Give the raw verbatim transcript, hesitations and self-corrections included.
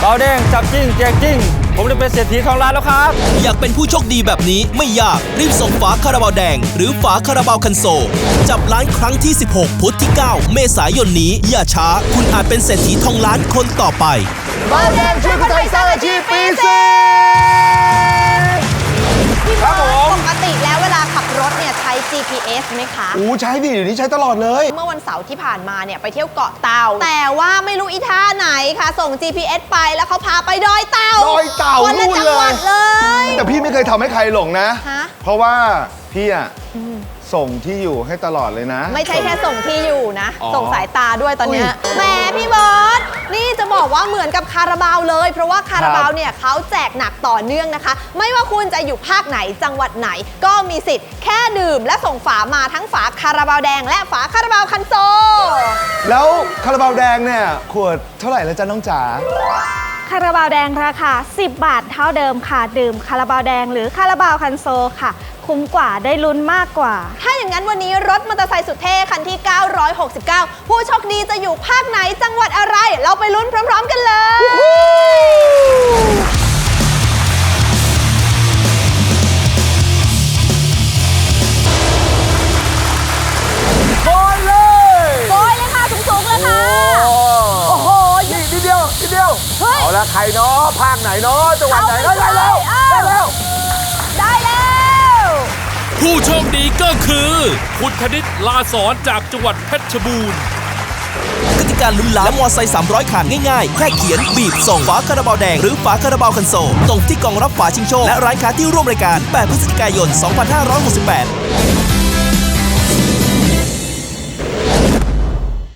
าแดงจับจริงแจกจริงผมได้เป็นเศรษฐีทองล้านแล้วครับอยากเป็นผู้โชคดีแบบนี้ไม่ยากรีบส่งฝาคาราบาวแดงหรือฝาคาราบาวคันโซลจับล้านครั้งที่สิบหกพุธที่เก้าเมษายนนี้อย่าช้าคุณอาจเป็นเศรษฐีทองล้านคนต่อไปเบาแดงช่วยคนไทยสร้างอาชีพปีเซพี่บอลปกติแล้วเวลาขับรถเนี่ยใช้ จี พี เอส ไหมคะอู้ใช้ดิเดี๋ยวนี้ใช้ตลอดเลยเมื่อวันเสาร์ที่ผ่านมาเนี่ยไปเที่ยวเกาะเต่าแต่ว่าไม่รู้อีท่าไหนค่ะส่ง จี พี เอส ไปแล้วเขาพาไปดอยเต่าดอยเต่าคนละจังหวัดเลยแต่พี่ไม่เคยทำให้ใครหลงนะเพราะว่าพี่อะส่งที่อยู่ให้ตลอดเลยนะไม่ใช่แค่ส่งที่อยู่นะส่งสายตาด้วยตอนนี้แหมพี่บอสนี่จะบอกว่าเหมือนกับคาราบาวเลยเพราะว่าคาราบาวเนี่ยเขาแจกหนักต่อเนื่องนะคะไม่ว่าคุณจะอยู่ภาคไหนจังหวัดไหนก็มีสิทธิ์แค่ดื่มและส่งฝามาทั้งฝาคาราบาวแดงและฝาคาราบาวคันโซแล้วคาราบาวแดงเนี่ยขวดเท่าไหร่แล้วจ๊ะน้องจ๋าคาราบาวแดงราคาสิบบาทเท่าเดิมค่ะดื่มคาราบาวแดงหรือคาราบาวคันโซค่ะคุ้มกว่าได้ลุ้นมากกว่าถ้าอย่างนั้นวันนี้รถมอเตอร์ไซค์สุดเท่คันที่เก้าร้อยหกสิบเก้าผู้โชคดีจะอยู่ภาคไหนจังหวัดอะไรเราไปลุ้นพร้อมๆกันเลยโกยเลยโกยเลยค่ะสูงๆเลยค่ะโอ้โหนี่นิดเดียวนิดเดียวเอาละใครเนาะภาคไหนเนาะจังหวัดไหนได้แล้วได้แล้วได้แล้วผู้โชคดีก็คือคุณธนิตลาสอนจากจังหวัดเพชรบูรณ์กติกาลุ้นล้านและมอไซค์สามร้อยคันง่ายๆแค่เขียนบีบส่งฝาคาราบาวแดงหรือฝาคาราบาวคันโซลส่งที่กล่องรับฝาชิงโชคและร้านค้าที่ร่วมรายการแปดพฤศจิกายนสองพันห้าร้อยหกสิบแปด